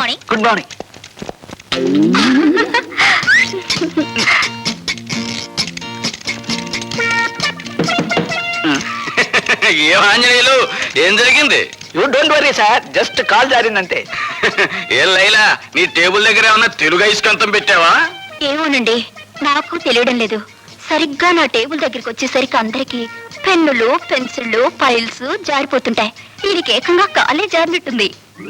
Morning. Good morning. ఏం ఆంజనేయులు, ఏం జరిగింది? You don't worry sir, just కాల్ జారిందంతే. ఏం లైలా, నీ టేబుల్ దగ్గర ఏమన్నా తెలుగు ఐస్కంతం పెట్టావా? ఏమోనండి, నాకు తెలియడం లేదు. సరిగ్గా నా టేబుల్ దగ్గరికి వచ్చేసరికి అందరికి పెన్నులు, పెన్సిళ్ళు, ఫైల్స్ జారిపోతుంటాయి. దీనికి ఏకంగా కాలే జారినట్టుంది.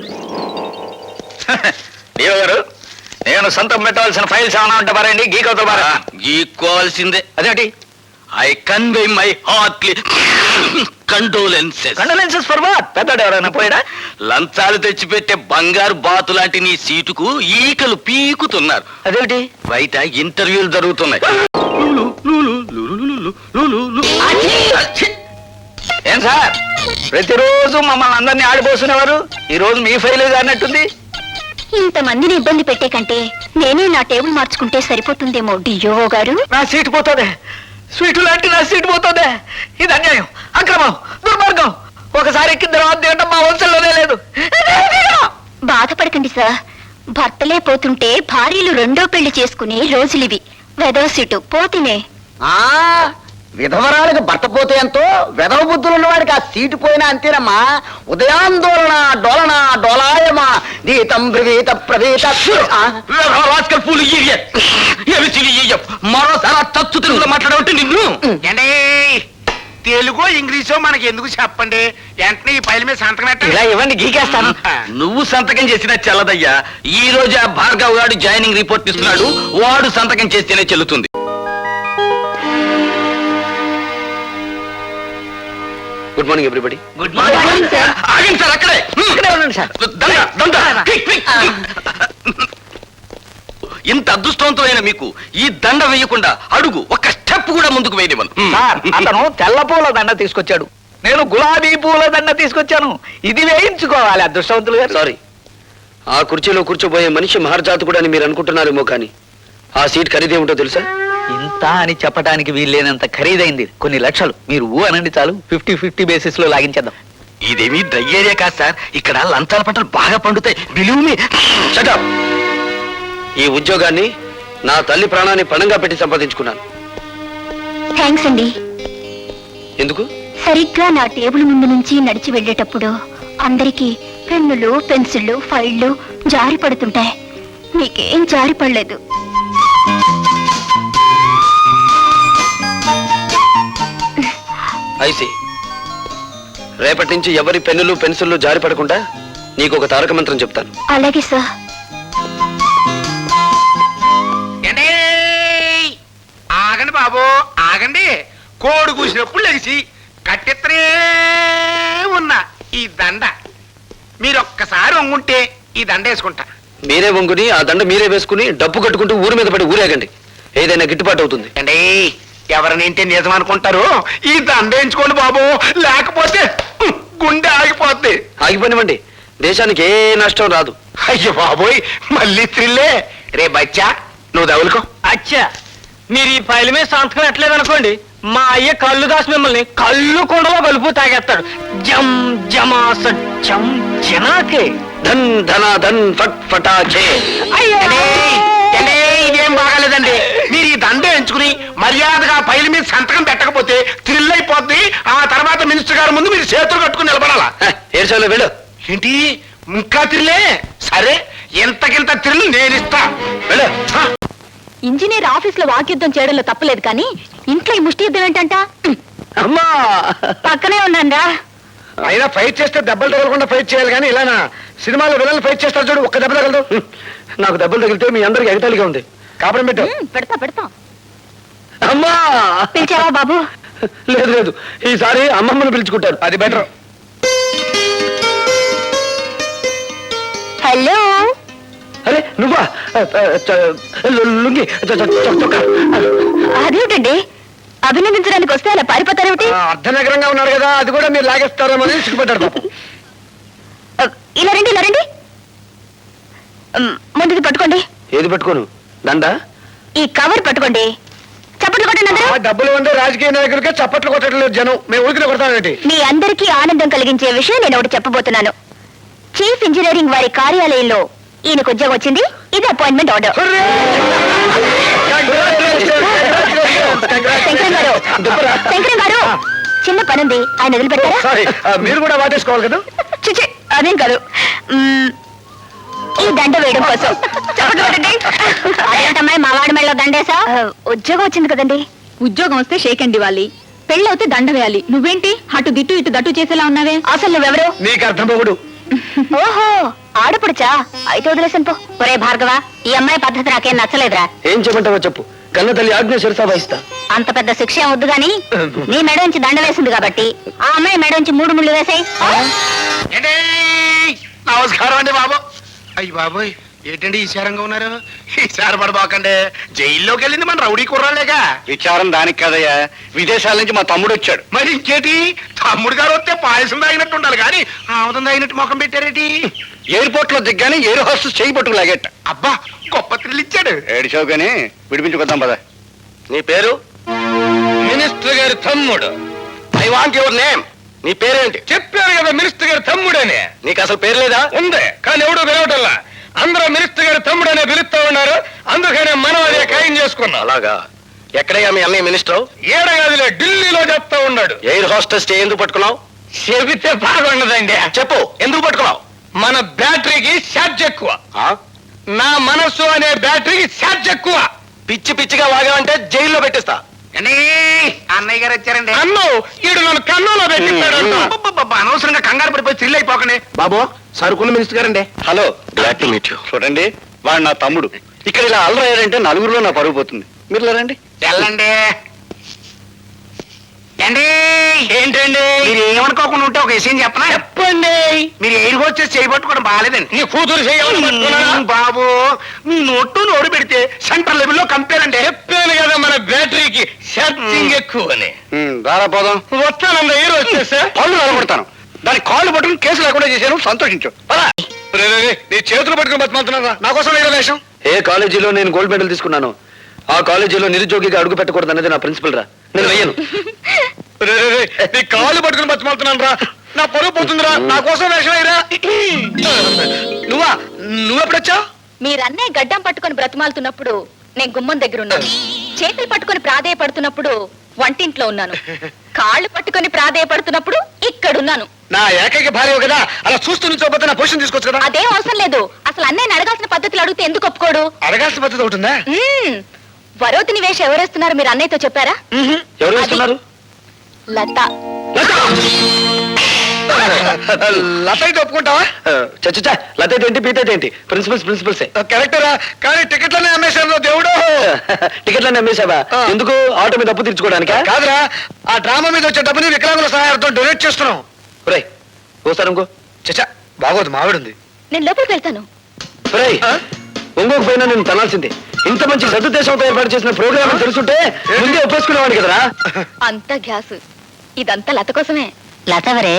దేవ గారు, నేను సొంతం పెట్టవలసిన ఫైల్స్ ఏమైనా ఉంటే పారండి, గీకవుతా పారా. గీక్కోవాల్సిందే. అదేంటి? I convey my heartly condolences. Condolences for what? పెద్దడు ఎవరైనా పోయాడా? లంచాలు తెచ్చిపెట్టే బంగారు బాతు లాంటి నీ సీటుకు ఈకలు పీకుతున్నారు. అదేంటి? బయట ఇంటర్వ్యూలు జరుగుతున్నాయి. ఏం సార్, ప్రతిరోజు మమ్మల్ని అందరినీ ఆడిపోసుకునేవారు, ఈ రోజు మీ ఫైల్ జారినట్టుంది. ఇంతమందిని ఇబ్బంది పెట్టే కంటే నేనే నా టేబుల్ మార్చుకుంటే సరిపోతుందేమో డియో గారు. నా సీటు పోతుంది, స్వీటు లాంటి నా సీటు పోతుంది. ఇది అన్యాయం, అక్రమం, దుర్మార్గం. ఒకసారి ఎక్కిన తర్వాత తినడం మా వంశంలోనే లేదు. బాధపడకండి సార్, భర్తలే పోతుంటే భార్యలు రెండో పెళ్లి చేసుకునే రోజులివి. వెదవ సీటు పోతినే. విధవరాలకు భర్త పోతే ఎంతో, విధవ బుద్ధులు ఉన్నవాడికి ఆ సీటు పోయినా అంతేనమ్మా. ఉదయాందోళన డోలన డోలాయమా గీతం బ్రవీత ప్రవీత. మరోసారి తచ్చు తెలుగులో మాట్లాడమంటే నిన్ను. తెలుగు ఇంగ్లీషో మనకి ఎందుకు చెప్పండి, వెంటనే ఈ ఫైల్ మీద సంతకం ఇలా పెట్టండి. ఇవ్వండి, గీకేస్తాను. నువ్వు సంతకం చేసినా చెల్లదయ్యా. ఈ రోజు ఆ భార్గవ్ గారు జాయినింగ్ రిపోర్ట్ ఇస్తున్నాడు, వాడు సంతకం చేస్తేనే చెల్లుతుంది. Good morning everybody. Good morning sir. ఆగండి సార్, అక్కడే. ఇక్కడే ఉండండి సార్. దండ, దండ. Quick, quick. ఇంత అదృష్టవంతమైన మీకు ఈ దండ వేయకుండా అడుగు ఒక్క స్టెప్ కూడా ముందుకు వేయనివ్వను. సార్, అతను తెల్ల పూల దండ తీసుకొచ్చాడు, నేను గులాబీ పూల దండ తీసుకొచ్చాను. ఇది వేయించుకోవాలి అదృష్టవంతులు గారు. సారీ, ఆ కుర్చీలో కూర్చోబోయే మనిషి మహర్జాతకుడు అని మీరు అనుకుంటున్నారేమో, కానీ ఆ సీట్ ఖరీదేమిటో తెలుసా? ఇంత అని చెప్పడానికి వీల్లేనంత ఖరీదైంది, కొన్ని లక్షలు. మీరు ఊ అనండి చాలు, 50-50 బేసిస్ లో లాగించేద్దాం. ఇదేమీ డ్రై ఏరియా కాదు సార్, ఇక్కడ లంచాల పంటలు బాగా పండుతాయి. Believe me. Shut up. ఈ ఉద్యోగాన్ని నా తల్లి ప్రాణాన్ని పణంగా పెట్టి సంపాదించుకున్నాను. థ్యాంక్స్ అండి. ఎందుకు? సరిగ్గా నా టేబుల్ ముందు నుంచి నడిచి వెళ్ళేటప్పుడు అందరికీ పెన్నులు, పెన్సిళ్ళు, ఫైళ్లు జారి పడుతుంటాయి. మీకేం జారి పడలేదు. ఐసి, రేపటి నుంచి ఎవరి పెన్నులు పెన్సిళ్ళు జారి పడకుండా నీకు ఒక తారక మంత్రం చెప్తాను. అలాగే సార్. ఏండి? ఆగండి బాబు, ఆగండి. కోడి కూసినప్పుడు లెగిసి కట్టెత్తనే ఉన్న ఈ దండ మీరు ఒక్కసారి వంగుంటే ఈ దండ వేసుకుంటా. మీరే వంగుని ఆ దండ మీరే వేసుకుని డబ్బు కట్టుకుంటూ ఊరి మీద పడి ఊరేగండి, ఏదైనా గిట్టుబాటు అవుతుంది. అండి, ఎవరినింటే నిజం అనుకుంటారు, ఈ దండ వేయించుకోండి బాబు, లేకపోతే గుండె ఆగిపోద్ది. ఆగిపోనివ్వండి, దేశానికి ఏ నష్టం రాదు. అయ్యో బాబోయ్, మళ్ళీ త్రిల్లే. రే బచ్చా, నువ్వు తగులుకో. అచ్చా, మీరు ఈ ఫైల్ మీద సంతకం ఎట్లేదనుకోండి, మా అయ్య కళ్ళు దాసి మిమ్మల్ని కళ్ళు కుండలో కలుపు తాగేస్తాడు. జమ్ జమాస జమ్ జనాకే ధన్ ధన ధన్ ఫట్ ఫటాచే. ఇదేం బాగాలేదండి. మీరు ఈ దండ ఎంచుకుని మర్యాదగా ఫైల్ మీద సంతకం పెట్టకపోతే థ్రిల్ అయిపోద్ది. ఆ తర్వాత మినిస్టర్ గారి ముందు మీరు చేతులు కట్టుకుని నిలబడాలా. ఏడ్చాలో వెళ్ళు. ఏంటి ఇంకా థ్రిల్లే? సరే, ఎంతకింత థ్రిల్ నేను ఇస్తా. వెళ్ళు. ఇంజనీర్ ఆఫీస్ లో వాక్యుద్ధం చేయడంలో తప్పలేదు, కానీ ఇంట్లో ఈ ముష్టి యుద్ధం ఏంటంట? అమ్మా, పక్కనే ఉన్నారా? అయినా ఫైట్ చేస్తే దెబ్బలు తగలకుండా ఫైట్ చేయాలి, కానీ ఇలానా? సినిమాలో విలన్లు ఫైట్ చేస్తారు చూడు, ఒక్క దెబ్బ తగలదు. నాకు దెబ్బలు తగిలితే మీ అందరికి ఎగతాళిగా ఉంది. కాపురం పెట్టు. పెడతా. అమ్మా, పిలిచావా బాబు? లేదు లేదు, ఈసారి అమ్మమ్మను పిలుచుకుంటారు, అది బెటర్. హలో. అరే నువ్వా? లుంగి చొక్కా. అదేమిటండి, అభినందించడానికి వస్తే అలా పారిపోతారేమిటి? అర్ధనగరంగా ఉన్నారు కదా, అది కూడా మీరు లాగేస్తారేమో అని సిగ్గుపడ్డారు పాపం. ఇలా రండి. ముందుది పట్టుకోండి. ఏది పట్టుకోను? దండ? ఈ కవర్ పట్టుకోండి. చప్పట్లు కొట్టండి అందరూ. డబ్బులు ఉండే రాజకీయ నాయకులకే చప్పట్లు కొట్టడం లేదు జనం, మేము ఊరికి కొడతామేంటి? మీ అందరికీ ఆనందం కలిగించే విషయం నేను ఒకటి చెప్పబోతున్నాను. చీఫ్ ఇంజనీరింగ్ వారి కార్యాలయంలో ఈయనకు ఉద్యోగం వచ్చింది, ఇది అపాయింట్మెంట్ ఆర్డర్. శంకరం గారు చిన్న పనుంది, ఆయన వదిలిపెట్టారా? సారీ, మీరు కూడా వాటేసుకోవాలి కదా. చిచి, అదేం కాదు. ఈ దండ వేయడం కోసం. అదేంటమ్మాయి మా వాడి మెళ్ళలో దండేసా? ఉద్యోగం వచ్చింది కదండి. ఉద్యోగం వస్తే షేక్ అండ్ ఇవ్వాలి, పెళ్ళవుతే దండ వేయాలి. నువ్వేంటి అటు దిట్టు ఇటు దట్టు చేసేలా ఉన్నావే? అసలు నువ్వెవరు? నీకు అర్థం పోగుడు. ఓహో, ఆడపడుచా? అయితే వదిలేసాను పో. ఒరే భార్గవ, ఈ అమ్మాయి పద్ధతి నాకేం నచ్చలేదురా. ఏం చెప్పంటావో చెప్పు, కన్న తల్లి ఆజ్ఞ శిరసా వహిస్తా. అంత పెద్ద శిక్ష ఏం వద్దు గాని నీ మెడ నుంచి దండ వేసింది కాబట్టి ఆ అమ్మాయి మెడ నుంచి 3 ముళ్ళు వేసాయి. ఏంటి? నమస్కారం అండి బాబు. అయ్యి బాబోయ్, ఏంటండి ఈశారంగా ఉన్నారు? ఈసారి పడబాకండి, జైల్లోకి వెళ్ళింది మన రౌడీ కుర్రాలేగా. విచారం దానికి కదయ్యా, విదేశాల నుంచి మా తమ్ముడు వచ్చాడు. మరి ఇంకేటి, తమ్ముడు గారు వస్తే పాయసం తాగినట్టు ఉండాలి కానీ ఆముదం తాగినట్టు ముఖం పెట్టారేటి? ఎయిర్పోర్ట్ లో దిగ్గానే ఎయిర్ హోస్టెస్ చేయి పట్టుకు లాగేట. అబ్బా, గొప్ప థ్రిల్ ఇచ్చాడు. ఏడిచావు కానీ విడిపించుకొద్దాం పద. నీ పేరు? మినిస్టర్ గారి తమ్ముడు. I want your name. నీ పేరేంటి? చెప్పారు కదా మినిస్టర్ గారి తమ్ముడని. నీకు అసలు పేరు లేదా? ఉంది, కానీ ఎవడో పిలవటల్లా. అందరూ మినిస్టర్ గారి తమ్ముడనే పిలుస్తా ఉన్నారు, అందుకనే మనం అదే ఖాయం చేసుకున్నాం. అలాగా? ఎక్కడయ్యా మీ అన్నయ్య మినిస్టర్? ఏడగాదిలో ఢిల్లీలో చెప్తా ఉన్నాడు. ఎయిర్ హోస్టెస్ ఎందుకు పట్టుకున్నావు? చెబితే బాగుండదండి. చెప్పు, ఎందుకు పట్టుకున్నావు? మన బ్యాటరీకి ఛార్జ్ ఎక్కువ. ఆ? నా మనస్సు అనే బ్యాటరీకి ఛార్జ్ ఎక్కువ. పిచ్చి పిచ్చిగా వాగావంటే జైల్లో పెట్టిస్తా. అండి, అన్నయ్య గారు వచ్చారండి. అన్ను ఈడు నన్ను కన్నులో పెట్టిస్తాడు. అబ్బబ్బబ్బబ్బ, అనవసరంగా కంగారు పడిపోయి థ్రిల్ అయిపోకండి. బాబు, సరుకున్న మినిస్టర్ గారండి. Hello, glad to meet you. చూడండి, వాడు నా తమ్ముడు. ఇక్కడ ఇలా అల్లరయ్యారంటే నలుగురిలో నా పరుగు పోతుంది. మీరు రండి. వెళ్ళండి. ఏంటి? ఏంటండి? మీరు ఏమనుకోకుండా ఉంటే ఒక విషయం చెప్పనా? చెప్పండి. మీరు ఎయిర్ హోస్టెస్ చేయబట్టుకోవడం బాగాలేదండి. నీ కూతురు చేయాలని పట్టుకున్నానా? బాబు, మీ నోటు పెడితే సెంట్రల్ లెవెల్లో కంపేర్ అండి. చెప్పాను కదా మన బ్యాటరీకి ఛార్జింగ్ ఎక్కువ అని. రారా పోదాం. వస్తానంద హీరో వచ్చేసా. పళ్ళు నిలబడతాను. దాని కాళ్ళు పట్టుకుని కేసు లేకుండా చేశాను, సంతోషించు. నీ చేతులు పట్టుకుని బతిమాలుతున్నారా? నా కోసం వేరే వేషం. ఏ కాలేజీలో నేను గోల్డ్ మెడల్ తీసుకున్నాను, ఆ కాలేజీలో నిరుద్యోగిగా అడుగు పెట్టకూడదు అనేది నా ప్రిన్సిపల్ రా. నేను వెయ్యను. నీ కాళ్ళు పట్టుకుని బతిమాలుతున్నాను రా. నా పరువు పోతుందిరా, నా కోసం వేషం అయ్యరా. నువ్వెప్పుడొచ్చావు? మీరన్నే గడ్డం పట్టుకొని బ్రతిమాలుతున్నప్పుడు నేను గుమ్మం దగ్గర ఉన్నాను. చేతులు పట్టుకొని ప్రాధేయపడుతున్నప్పుడు వంటింట్లో ఉన్నాను. కాళ్ళు పట్టుకొని ప్రాధేయపడుతున్నప్పుడు ఇక్కడున్నాను. నా ఏకైక భార్య కదా, అలా చూస్తూ నుంచోపోతే నా పొజిషన్ తీసుకోవచ్చు కదా. అదేం అవసరం లేదు. అసలు అన్నయ్యని అడగాల్సిన పద్ధతులు అడిగితే ఎందుకు ఒప్పుకోడు? అడగాల్సిన పద్ధతి ఉంటుందా? వరోతిని వేషం ఎవరేస్తున్నారు మీరు అన్నయ్యతో చెప్పారా? ఎవరు వేస్తున్నారు? లత. లత అయితే ఒప్పుకుంటావా? చచ్చా, లత అయితే ఏంటి, పీత అయితే ఏంటి? ప్రిన్సిపల్సే కరెక్టరా. కానీ టికెట్లనే అమ్మేశాను దేవుడు. టికెట్లనే అమ్మేశావా? ఎందుకు? ఆటో మీద అప్పు తీర్చుకోవడానికి కాదురా, ఆ డ్రామా మీద వచ్చే డబ్బుని వికలాంగుల సహాయంతో డొనేట్ చేస్తున్నాం. ఒరేయ్, ఓసారి ఇంకో. చచ్చా, బాగోదు, మావిడుంది. నేను లోపలికి వెళ్తాను. ఒరేయ్, ఇంకొక పైన నేను తనాల్సిందే. ఇంత మంచి సదుద్దేశంతో ఏర్పాటు చేసిన ప్రోగ్రామ్ తెలుసుంటే ముందే ఒప్పేసుకునేవాడు కదరా. అంత గ్యాస్, ఇదంతా లత కోసమే. లతవరే.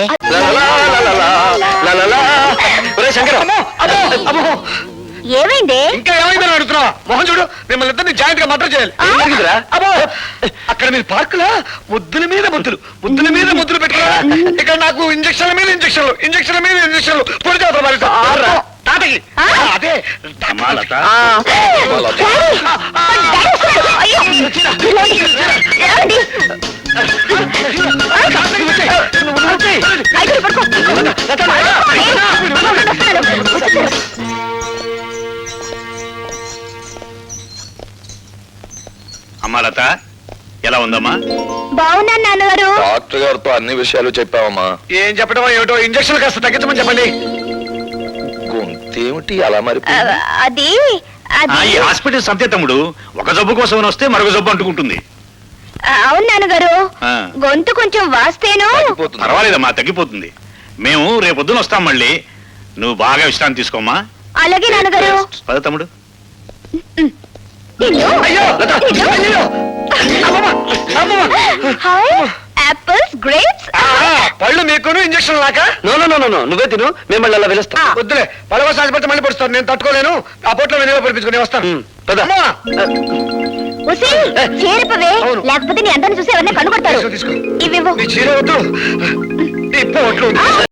శంకర, ఏమైంది? ఇంకా ఏమైందని అడుగుతున్నా? మోహన్ చూడు, మిమ్మల్ని ఇద్దరిని జాయింట్ గా మర్డర్ చేయాలి. అబ్బో, అక్కడ మీరు పార్కులా ముద్దుల మీద ముద్దులు పెట్టారా? ఇక్కడ నాకు ఇంజక్షన్ల మీద ఇంజక్షన్లు పొడి చేస్తారు తాతకి. అదే లత. అయ్యో! ఏమండి? అయితే పడుకో. అమ్మా లత, ఎలా ఉందమ్మా? బాగున్నాను నాన్నగారు. డాక్టర్ గారితో అన్ని విషయాలు చెప్పావమ్మా. ఏం చెప్పడం ఏమిటో, ఇంజక్షన్ కాస్త తగ్గించమని చెప్పండి. గొంతేమిటి అలా మరి? అది ఈ హాస్పిటల్ సంతే తమ్ముడు, ఒక జబ్బు కోసం వస్తే మరొక జబ్బు అంటుకుంటుంది. అవును నాన్నగారు, ఆ. గొంతు కొంచెం వాస్తేను. పర్వాలేదమ్మా, తగ్గిపోతుంది. మేము రేపొద్దున వస్తాం మళ్ళీ. నువ్వు బాగా విశ్రాంతి తీసుకోమ్మా. అలాగే నాన్నగారు. పద తమ్ముడు. Apples, grapes. పళ్ళు మీకును ఇంజక్షన్ లాక. నో నువ్వే తిను, మేము మళ్ళీ అలా వెలుస్తాం. వద్దులే, పడవ సాధిపడితే మళ్ళీ పడుస్తాను. నేను తట్టుకోలేను. ఆ పొట్లో నేను పడిపించుకుని వస్తాను. చేరిపవే, అవును. లేకపోతే నీ అందరిని చూసి ఎవరిని కనుగొడతారు. తీసుకో. ఇవివ్వు. నీ చీర వద్దు, నీ పొట్లు.